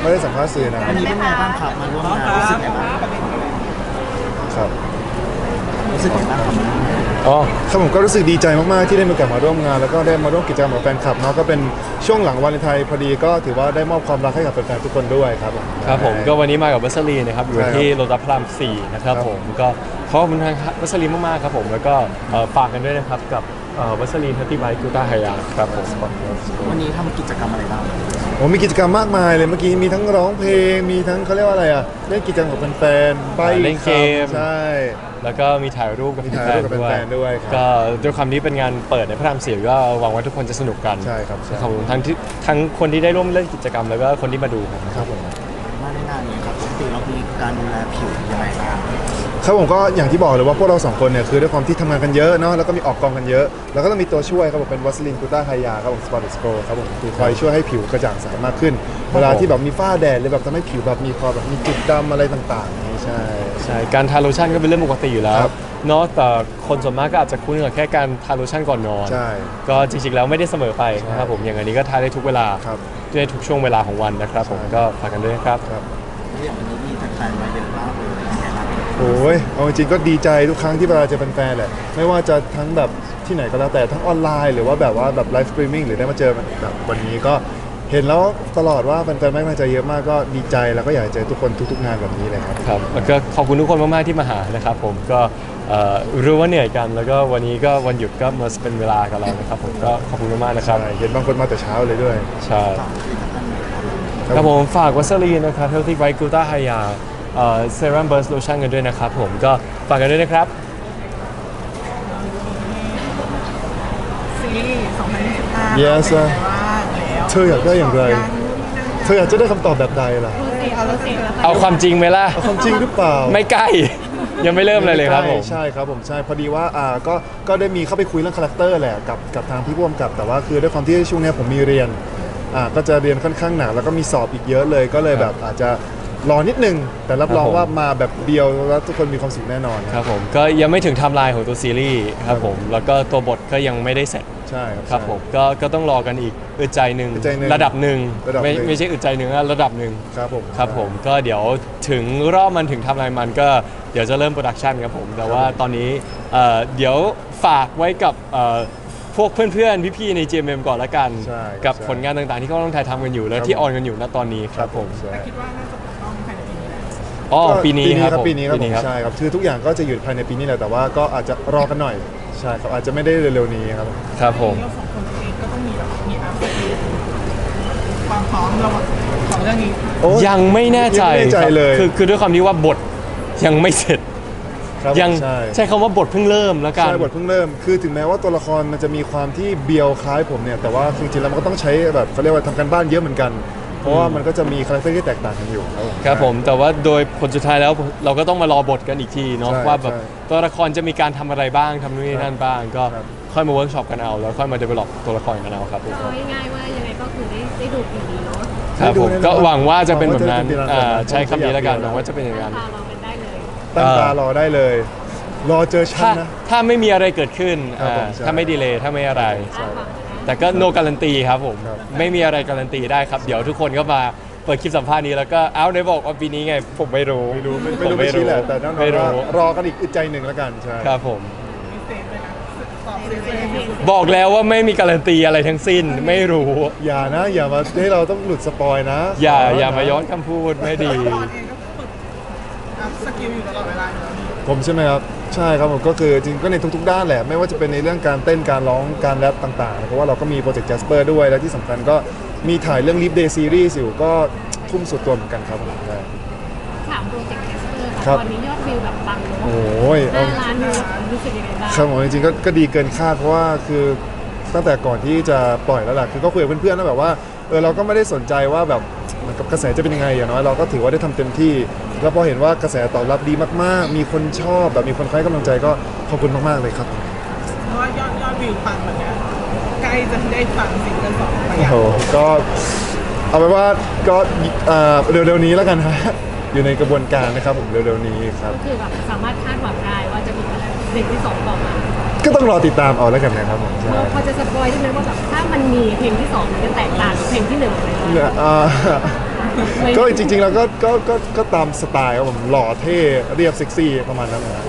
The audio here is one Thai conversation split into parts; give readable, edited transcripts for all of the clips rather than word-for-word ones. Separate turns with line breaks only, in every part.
ไม่ได้สัมภาษณ์สื่อนะ
วันนี้เป็นไงบ้างครับมาร่วมงานรู้สึกไงบ้าง
ครับ
รู้สึกไงบ้างครับ
อ๋อครับผมก็รู้สึกดีใจมากๆที่ได้มีโอกาสมาร่วมงานแล้วก็ได้มาร่วมกิจกรรมกับแฟนคลับเนาะก็เป็นช่วงหลังวาเลนไทน์พอดีก็ถือว่าได้มอบความรักให้กับแฟนๆทุกคนด้วยครับผม
ครับผมก็วันนี้มากับวัสลีนะครับอยู่ที่โลตัสพระราม4นะครับผมก็ขอบคุณทางวัสลีมากๆครับผมแล้วก็ฝากกันด้วยนะครับกับวัสลีทัตติไบกูต้าไฮยาครับผม
วันนี้ทำกิจกรรมอะไรบ้าง
โอ้มีกิจกรรมมากมายเลยเมื่อกี้มีทั้งร้องเพลงมีทั้งเขาเรียกว่าอะไรอ่ะเล่นกิจกรรมกับแฟนๆใบ้
เล่นเกม
ใช่
แล้วก็มีถ่ายรูปกับ
มีถ่ายรูปกับแฟนๆด้วยครับ
ก็ด้วยความที่เป็นงานเปิดในพระราม4ก็หวังว่าทุกคนจะสนุกกัน
ใช่ครับใช่
ขอบคุณทั้งคนที่ได้ร่วมเล่นกิจกรรมแล้วก็คนที่มาดูครับผม
มาในงานนี้ครับปกติเรามีการดูแลผิวยังไงบ้าง
ครับผมก็อย่างที่บอกเลยว่าพวกเราสองคนเนี่ยคือด้วยความที่ทำงานกันเยอะเนาะแล้วก็มีออกกองกันเยอะ แล้วก็ต้องมีตัวช่วยครับผมเป็นวัสลินกูต้าไฮยาครับผมสปอร์ตสโกครับผมคือคอยช่วยให้ผิวกระจ่างใสมากขึ้น เวลาที่แบบมีฝ้าแดดหรือแบบทำให้ผิวแบบมีความแบบมีจุดดำอะไรต่างๆนี่ใช่
ใช่การทาโลชั่นก็เป็นเรื่องปกติอยู่แล้ว
ครับ
เนาะแต่คนส่วนมากก็อาจจะคุ้นกับแค่การทาโลชั่นก่อนนอน
ใช่
ก็จริงๆแล้วไม่ได้เสมอไปนะครับผมอย่างอันนี้ก็ทาได้ทุกเวลา
ครับ
ได้ทุกช่วงเวลาของวันนะครับผม
ใช่
ก็ฝากกันด้วยนะครับ
ครับ
แล้วอย่างวันนี้มีแฟนๆมาเยอะมากเลยยังไงบ้าง
โอ้ยเอาจริงๆก็ดีใจทุกครั้งที่เวลาเจอแฟนๆแหละไม่ว่าจะทั้งแบบที่ไหนก็แล้วแต่ทั้งออนไลน์หรือว่าแบบว่าแบบไลฟ์สตรีมมิ่งหรือได้มาเจอแบบวันนี้ก็เห็นแล้วตลอดว่าแฟนๆไม่มาใจเยอะมากก็ดีใจแล้วก็อยากเจอทุกคนทุกๆงานแบบนี้เลยครับ
ครับแล้วก็ขอบคุณทุกคนมากๆที่มาหานะครับผมก็รู้ว่าเหนื่อยกัน แล้วก็วันนี้ก็วันหยุดก็มาเป็นเวลากับเรานะครับผมก็ขอบคุณมากๆนะครับ
ใช่เห็นบางคนมาแต่เช้าเลยด้วย
ใช่
ฝากผลิตภัณฑ์หน่อยครับ
ครับผมฝากวัสลีนนะครับ Healthy White Gluta Hya Serum Burst Lotion กันด้วยนะครับผมก็ฝากกันด้วยนะครับ
ซีรีส์2025
Yes
เป็นไงบ้างแล้ว
เธออยากได้อย่างไร เธออยากจะได้คำตอบแบบใดล่ะ
เอาความจริงไหมล่ะ
เอาความจริงหรือเปล่า
ไม่ใกล้ ยังไม่เริ่มเลยครับผม
ใช่ครับผมใช่พอดีว่าก็ได้มีเข้าไปคุยเรื่องคาแรคเตอร์แหละกับทางพี่ร่วมกับแต่ว่าคือด้วยความที่ช่วงเนี้ยผมมีเรียนก็จะเรียนค่อนข้างหนักแล้วก็มีสอบอีกเยอะเลยก็เลยแบบอาจจะรอนิดนึงแต่รับรองว่ามาแบบเดียวแล้วทุกคนมีความสุขแน่นอน
ครับผมก็ยังไม่ถึงไทม์ไลน์ของตัวซีรีส์ครับผมแล้วก็ตัวบทก็ยังไม่ได้เสร็จ
ใช่ครับ
ครับผมก็ต้องรอกันอีกอึดใจหนึ่ง
อึดใจหนึ่ง
ระดับหนึ่ง
ระดับหนึ่ง
ไม่ใช่อึดใจหนึ่งนะระดับหนึ่ง
ครับผม
ครับผมก็เดี๋ยวถึงรอบมันถึงไทำลายมันก็เดี๋ยวจะเริ่มโปรดักชันครับผมแต่ว่าตอนนี้เดี๋ยวฝากไว้กับพวกเพื่อนๆ พี่ๆ ใน GMM ก่อนละกัน
ใช่
กับ
ใช่
ผลงานต่างๆ ที่เขาต้องถ่ายทำกันอยู่ และ
ครับ
ที่ออนกันอยู่ณตอนนี้ครับผม
ใช่
คิดว่าน่าจะต้องภายในปีนี้แหละ
อ๋อ
ก็
ปีนี้ครับผม
ปีนี้ครับผมใช่ครับคือทุกอย่างก็จะอยู่ภายในปีนี้แหละแต่ว่าก็อาจจะรอกันหน่อยใช่ครับอาจจะไม่ได้เร็วๆนี้ครับ
ครับผม
เราสองคนเองก็ต้องมีแบบมีอัพเดตความพร้อมเราของเรื่องนี้
โอ้ย
ยังไม่แน่ใจ
ยังไม่แน่ใจ
ครับ
เลย
คือด้วยความที่ว่าบทยังไม่เสร็จ
ครับ
ยัง
ใช่
ใช้คำว่าบทเพิ่งเริ่มแล้วกัน
ใช่บทเพิ่งเริ่มคือถึงแม้ว่าตัวละครมันจะมีความที่เบียวคล้ายผมเนี่ยแต่ว่าจริงๆแล้วมันก็ต้องใช้แบบเขาเรียกว่าทำการบ้านเยอะเหมือนกัน เพราะว่ามันก็จะมีคาแรคเตอร์ที่แตกต่างกันอยู่ครับผม
ครับผมแต่ว่าโดยผลสุดท้ายแล้วเราก็ต้องมารอบทกันอีกทีเนาะ
ใช่
ว่าแบบ
ใช่
ตัวละครจะมีการทำอะไรบ้างทำนู่นนี่นั่นบ้าง ก็
ครับ
ค่อยมาเวิร์กช็อปกันเอาแล้วค่อยมาเดเวล็อปตัวละครกันเอาครับผม
เอาง่ายๆว่ายังไงก็คือได้ดูปีนี้เนาะ
ครับผม
ได้ดูแน่นอน
ก็หวังว่าจะเป็นแบบนั้น
หวังว่าจะเป็นแบบนั้น
ใช้คำนี้แล้วกัน
ผมก็อยาก
หวังว่าจะเป็นอย่างนั้น
ตาเราเป็นได้เลย
ตั้งตารอได้เลย รอเจอฉั
ถ้าน
นะ
ถ้าไม่มีอะไรเกิดขึ้น
ครับผมใช่
ถ้าไม่ดีเลย์ถ้าไม่อะไร
ใช่
แต่ก็โนการันตีครับผม
ครับ
ไม่มีอะไรการันตีได้ครับ เดี๋ยวทุกคนก็มาเปิดคลิปสัมภาษณ์นี้แล้วก็เอ้าได้บอกว่าปีนี้ไงผมไม่รู้
ไม่รู้
ผม
ไม่ชี้แหละแต่แน่นอน
ไม่
ว่า
รู้
รอกันอีกอึดใจหนึ่งแล้วกันใช่
ครับผม
พิเศษเลยนะตอบเสียง
บอกแล้วว่าไม่มีการันตีอะไรทั้งสิ้นไม่รู้
อย่านะอย่ามาให้เราต้องหลุดสปอยนะ
อย่า
ข
มาย้อนคำพูดไม่ดี
ตอนเองก็ฝึกอัพสกิลอยู่ตลอดเวลาอยู่แล้ว
ผมใช่ไหมครับใช่ครับผมก็คือจริงก็ในทุกๆด้านแหละไม่ว่าจะเป็นในเรื่องการเต้นการร้องการแรปต่างๆเพราะว่าเราก็มีโปรเจกต์ Jasper ด้วยและที่สำคัญก็มีถ่ายเรื่อง Leap Day Series อยู่ก็ทุ่มสุดตัวเหมือนกันครับผมใช่
ถามโปรเจกต์แคสเตอร์
ครั
ค่ะ
บ
ตอนนี้ยอดวิวแบบปังเนาะ
โอ้ยเอา
5 ล้านวิวรู้สึกยังไงบ้าง
ครับผมจริงๆก็ดีเกินคาดเพราะว่าคือตั้งแต่ก่อนที่จะปล่อยแล้วล่ะคือก็คุยกับเพื่อนๆแล้วแบบว่าเราก็ไม่ได้สนใจว่าแบบเหมือนกับกระแสจะเป็นยังไงอย่างน้อยเราก็ถือว่าได้ทำเต็มที่ แล้วพอเห็นว่ากระแสตอบรับดีมากๆ มีคนชอบแบบมีคนให้กำลังใจก็ขอบคุณมากๆเลยครับ
เพราะว่ายอดวิวปังแบบเนี้ยใกล้จะได้ฟังซิงเกิลสองไป
โอ้โหก็เอาไปนว่าก็เร็วๆนี้แล้วกันฮะอยู่ในกระบวนการนะครับผมเร็วๆนี้ครับ
ก็คือแบบสามารถคาดหวังได้ว่าจะมีอะไรเพลงที่2ต่อมา
ก็ต้องรอติดตามเอาแล้วกันนะครับผมใช่
เราพอจะสปอยได้ไหมว่าแบบถ้ามันมีเพลงที่2มันจะแตกต่างกับเพลงที่1อะไรบ้าง
เนี่ยก็จริงๆแล้วก็ตามสไตล์ครับผมหล่อเท่เรียบเซ็กซี่ประมาณนั้นนะ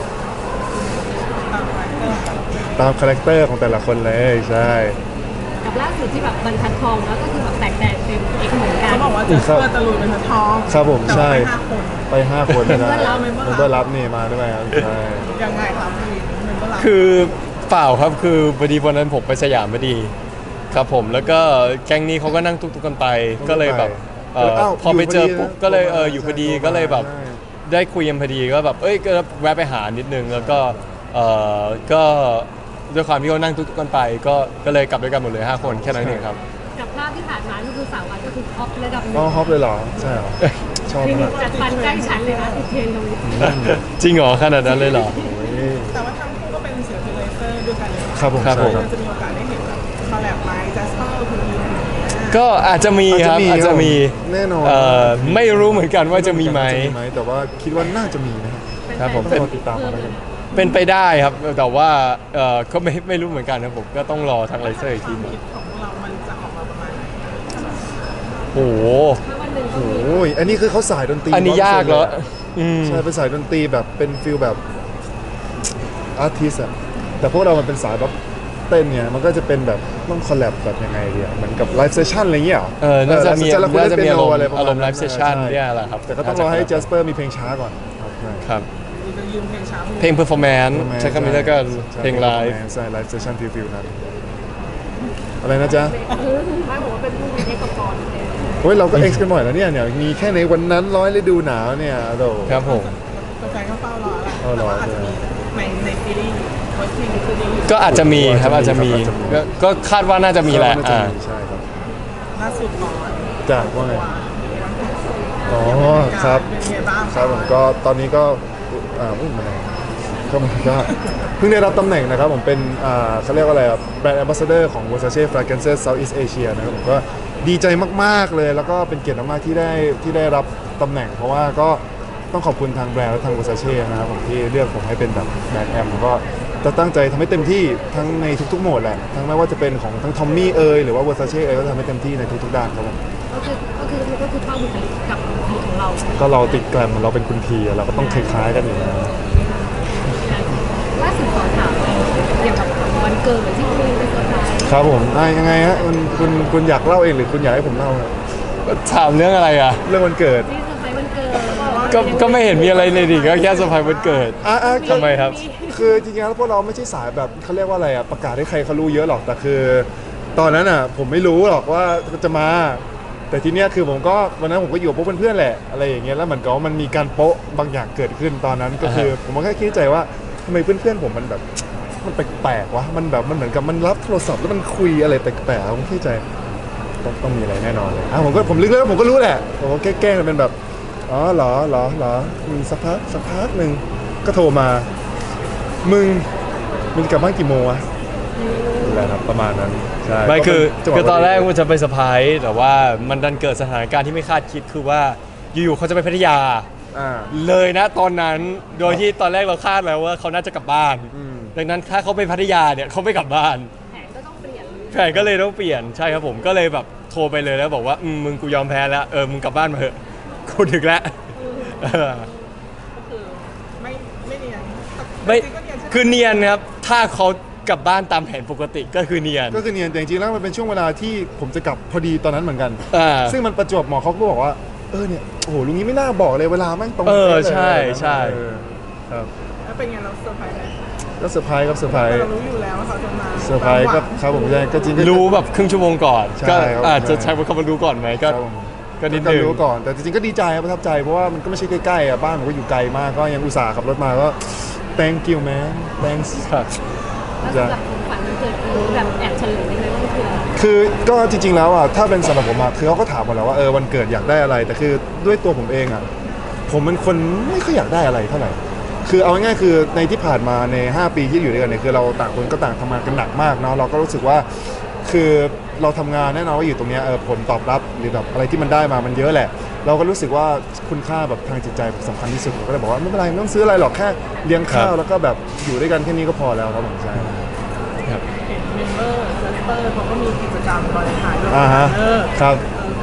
ตามคาแรคเตอร์ของแต่ละคนเลยใช่
กับล่าสุดที่แบบบรรทัดทองแล้วก็คือแบบแตกแดนเป็นเอกเหมือนกัน
เขาบอกว่าจะเพื่อตะลุยเป็นทอง
ครับผม
แต่
ใช่
ว่าไป5 คน
ไป 5 คนนะ
เมมเบอร์รับ
เมมเบอร์รับนี่มาด้วยครับใช่
ยังไงครับพี่เมมเบอร์รับ
คือเปล่าครับคือพอดีวันนั้นผมไปสยามพอดีครับผมแล้วก็แก๊งนี้เขาก็นั่งตุ๊กๆกันไปก็เลยแบบพอไปเจอปุ๊บก็เลยอยู่พอดีก็เลยแบบได้คุยกันพอดีก็แบบก็แวะไปหานิดนึงแล้วก็ก็ด้วยความที่เขานั่งตุ๊กๆกันไปก็เลยกลับด้วยกันหมดเลย5 คนแค่นั้นเองครับ
กับภาพที่ผ่านมาก็คือสาววันก็คือท็อประดับหนึ่
อ๋อง ฮอปเลยเหรอใช่เหรอชอบ
คือ
มาก
จัดฟันใกล้ชั้นเลยนะติดเทรนด์ตรงนี้
จริงเหรอขนาดนั้นเลยเหรอ
แต่ว่าทั้งคู่ก็เป็นศิลปินเลเซอร์ด้วยกันเลย
ครับผม
ครับ
ใช่
ผม
ครับ
จะมีโอกาสได้เห็นแบบคอลแลบไหมจัสเปอร์คุณอีน
ก็อาจจะมีครับอาจจะมี
แน่นอน
ไม่รู้เหมือนกันว่าจะมีไหม
แต่ว่าคิดว่าน่าจะมีนะครับ
ครับผม
ต้องรอติดตามกันแล้วกัน
เป็นไปได้ครับแต่ว่าก็ไม่รู้เหมือนกันนะผมก็ต้องรอทางไลเซอร์อีกทีหนึง
คิดของพวกเรามันจะออกมาประมาณไหน
โอ้โห
ถ้าวันหนึ่งก็
โอ้
มี
โหอันนี้คือเขาสายดนตรี
อันนี้ยากแล้วอืม
ใช่เป็นสายดนตรีแบบเป็นฟิลแบบอาร์ติสอะแต่พวกเรามันเป็นสายแบบเต้นเนี่ยมันก็จะเป็นแบบต้องคอลแลบแบบยังไงดีอะเหมือนกับไลฟ์เซสชั่นอะไรเงี้ยเหรอ
น่าจะมี
แล้วคุณ
น่า
เล่น
จะ
เปี
มี
ย
อา
โน
รมณ์
อะไรประมาณ
อารมณ์ไลฟ์เซสชั่น
ใ
เนี่ยแหละครับ
แต่ก็ต้องรอให้เจสเปอร์มีเพลงช้าก่อนครับ
ครับ
มีจะยืมเพลงช้า
เพลงเพอร์ฟอร์แมนซ์ใช้คำนี้แล้วก็เพลงไลฟ์
ใช่ไลฟ์เซสชั่นฟิลนั้นอะไรนะจ๊ะ
ไม่บอกว่าเป็นผู้มีเอกกรเลย
โอ้ยเราก็เอ็กซ์กันบ่อยแล้วเนี่ยมีแค่ในวันนั้นร้อยฤดูหนาวเนี่ยโด
ครับผม
แฟนๆก็เฝ้ารอแล้ว
เฝ้ารอ
ว่าอาจจะมีในซีรีส์เวอร์ชันซีรีส์อยู่
ก็อาจจะมีครับอาจจะมีก็คาดว่าน่าจะมีแหละ
น่าจะมีใช่ครับ
ล่าสุดก่อน
จากว่าไงอ๋อครับ
เป็นไงบ้าง
ครับผมก็ตอนนี้ก็อุ้ยมันอะไรก็เพิ่งได้รับตำแหน่งนะครับผมเป็นเขาเรียกว่าอะไรแบรนด์แอมบาสเดอร์ของ Versace Fragrances Southeast Asia นะครับผมก็ดีใจมากๆเลยแล้วก็เป็นเกียรติมากๆที่ได้รับตำแหน่ง เพราะว่าก็ต้องขอบคุณทางแบรนด์และทาง Versace นะครับผมที่เลือกผมให้เป็นแบบแบรนด์แอมแล้วก็จะตั้งใจทำให้เต็มที่ทั้งในทุกๆโหมดแหละทั้งไม่ว่าจะเป็นของทั้งทอมมี่หรือว่า Versace ก็ทำให้เต็มที่ในทุกๆด้านครับผม
ก็คือเข้าบุคลิกกับบุคลิกของเรา
ก็เราติดแกรมเราเป็นคุณทีเราก็ต้องคล้ายๆกันอยู่แล้ว
ล่าสุดขอถามเกี่ยวกับวันเกิดที่คุยไปเซอร์ไพรส์
ครับผมยังไงฮะคุณอยากเล่าเองหรือคุณอยากให้ผมเล่าครับ
ถามเรื่องอะไรอ่ะ
เรื่องวันเกิด
ที่เซอร์ไพรส์วันเกิด
ก็ไม่เห็นมีอะไรเลยดิก็แค่เซอร์ไพรส์วันเกิด ทำไมครับ
คือจริงๆแล้วพวกเราไม่ใช่สายแบบเขาเรียกว่าอะไรอ่ะประกาศให้ใครเขารู้เยอะหรอกแต่คือ ตอนนั้นอ่ะผมไม่รู้หรอกว่าจะมา แต่ทีเนี้ยคือผมก็วันนั้นผมก็อยู่กับพวกเพื่อนๆแหละอะไรอย่างเงี้ยแล้วเหมือนกับว่ามันมีการโป๊ะบางอย่างเกิดขึ้นตอนนั้นก็คือผมก็แค่คิดในใจว่าทำไมเพื่อนๆผมมันแบบมันแปลกๆวะมันแบบมันเหมือนกับมันรับโทรศัพท์แล้วมันคุยอะไรแปลกๆผมคิดในใจต้องมีอะไรแน่นอนเลยผมลึกแล้วผมก็รู้แหละผมก็แกล้งๆเป็นแบบอ๋อเหรอสักพักหนึ่งก็โทรมามึงกลับบ้านกี่โมงวะนั่นแหละครับประมาณนั้นใช่
ไม่คือ
ก็เป็นจังหวะ
ตอนแรกมันจะไปเซอร์ไพรส์แต่ว่ามันดันเกิดสถานการณ์ที่ไม่คาดคิดคือว่าอยู่ๆเขาจะไปพัทยา
อ่า
เลยนะตอนนั้นโดยที่ตอนแรกเราคาดแล้วว่าเขาน่าจะกลับบ้าน
อืม
ดังนั้นถ้าเขาไปพัทยาเนี่ยเขาไม่กลับบ้าน
แผนก็ต้องเปลี่ยน
แผนก็เลยต้องเปลี่ยนใช่ครับผมก็เลยแบบโทรไปเลยแล้วบอกว่ามึงกูยอมแพ้แล้วมึงกลับบ้านมาเถอะกูถึงแล้วเออ
ก็คือไม่เนียน
ไม่
จริงๆก็เนียนใช่ไหม
คือเนียนครับถ้าเขากลับบ้านตามแผนปกติก็คือเนียน
ก็คือเนียนแต่จริงๆแล้วมันเป็นช่วงเวลาที่ผมจะกลับพอดีตอนนั้นเหมือนกัน
อ่า
ซึ่งมันประจวบเหมาะเขาก็บอกว่าเนี่ยโอ้โหลุงนี้ไม่น่าบอกเลยเวลาแม่งตรง
เออ
ป๊ะเลย
ใช่ใช่
เออครับ
แล้วเป็นไงเราเซอร์ไพรส์ไหม
ก็เซอร์ไพรส์ครับเซอร์ไพร
แต่
ส์
เรารู้อยู่แล้วว่าเขาจะมา
เซอร์ไพรส์ก็ครับผมใช่ก็จริงก็
รู้แบบครึ่งชั่วโมงก่อน
ใช่
ก็
ครับ
อาจจะ
ใช่
ใช้คำว่ารู้ก่อนไหมก็
ครับผม
ก็นิด
ก็
นึง
รู้ก่อนแต่จริงๆก็ดีใจครับประทับใจเพราะว่ามันก็ไม่ใช่ใกล้ๆอ่ะบ้านผมก็อยู่ไกลมากก็ยังอุตส่าห์ขับรถมาก็ thank you man thanks
ครับ
แล้วสำหรับของขวัญวันเกิดคือแบบแอบเฉลยได้ไหมว่ามันคืออะไร
คือก็จริงๆแล้วอ่ะถ้าเป็นสำหรับผมอ่ะคือเขาก็ถามหมดแล้วว่าวันเกิดอยากได้อะไร แต่คือด้วยตัวผมเองอ่ะผมเป็นคนไม่ค่อยอยากได้อะไรเท่าไหร่คือเอาง่ายๆคือในที่ผ่านมาใน5 ปีที่อยู่ด้วยกันเนี่ยคือเราต่างคนก็ต่างทำงานกันหนักมากเนาะเราก็รู้สึกว่าคือเราทำงานแน่นอนว่าอยู่ตรงเนี้ยผลตอบรับหรือแบบอะไรที่มันได้มามันเยอะแหละ เราก็รู้สึกว่าคุณค่าแบบทางจิตใจสำคัญที่สุดผมก็เลยบอกว่าไม่เป็นไรไม่ต้องซื้ออะไรหรอกแค่เลี้ยงข้าวแล้วก็แบบอยู่ด้วยกันแค่นี้ก็พอแล้วครับผมใช่
ครับ
เห็นเมมเบอร์เซสเตอร์เขาก็มีกิจกรรมบริหารด้วย
ฮะ
เออ
ครับ
เ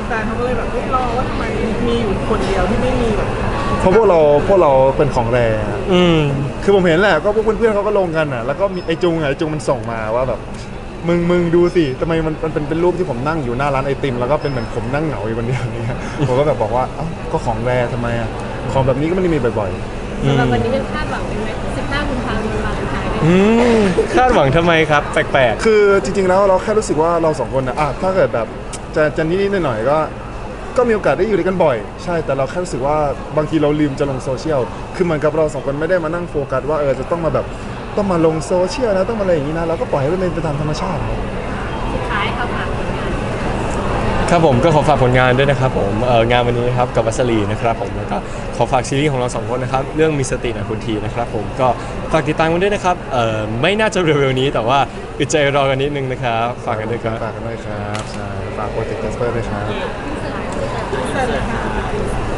ฟนๆเขาก็เลยแบบรอว่าทำไมมีอยู่คนเดียวที่ไม่มีแบบ
เพราะพวกเราเป็นของแรงอะ
อืม
คือผมเห็นแหละก็พวกเพื่อนๆเขาก็ลงกันอ่ะแล้วก็มีไอจุงมันส่งมาว่าแบบมึงดูสิทำไมมันเป็นรูปที่ผมนั่งอยู่หน้าร้านไอติมแล้วก็เป็นเหมือนผมนั่งเหงาอยู่คนเดียวเนี่ย ผมก็แบบบอกว่าเอ้าก็ของแรทำไมอ่ะของแบบนี้ก็ไม่ได้มีบ่อย
อื
สำหรับ
ม
วันนี้เป็นคาดหวังเป็นไหม15 กุมภาพันธ์วันวาเลนไทน์เนี่ย
อืมคาดหวังทำไมครับ แปลก
ๆคือจริงๆแล้วเราแค่รู้สึกว่าเราสองคนนะถ้าเกิดแบบจะนิดๆหน่อยๆก็มีโอกาสได้อยู่ด้วยกันบ่อยใช่แต่เราแค่รู้สึกว่าบางทีเราลืมจะลงโซเชียลคือเหมือนกับเราสองคนไม่ได้มานั่งโฟกัสว่าจะต้องมาแบบต้องมาลงโซเชียลนะต้องมาอะไรอย่างนี้นะเราก็ปล่อยให้มันเป็นไปตามธรรมชาติครับ
สุดท้ายค่ะฝากผลงาน
ๆ ครับผมก็ขอฝากผลงานด้วยนะครับผมงานวันนี้นะครับกับวัสลีนะครับผมแล้วก็ขอฝากซีรีส์ของเราสองคนนะครับเรื่องมีสติหนะคุณทีนะครับผมก็ฝากติดตามกันด้วยนะครับไม่น่าจะเร็วๆนี้แต่ว่าอึดใจรอกันนิดนึงนะครับฝากกันด้วยครับ
ฝากกันด้วยครับใช่ฝากโปรเจกต์แคสเปอร์ด้วยครับ
เสร็จเลยค่ะ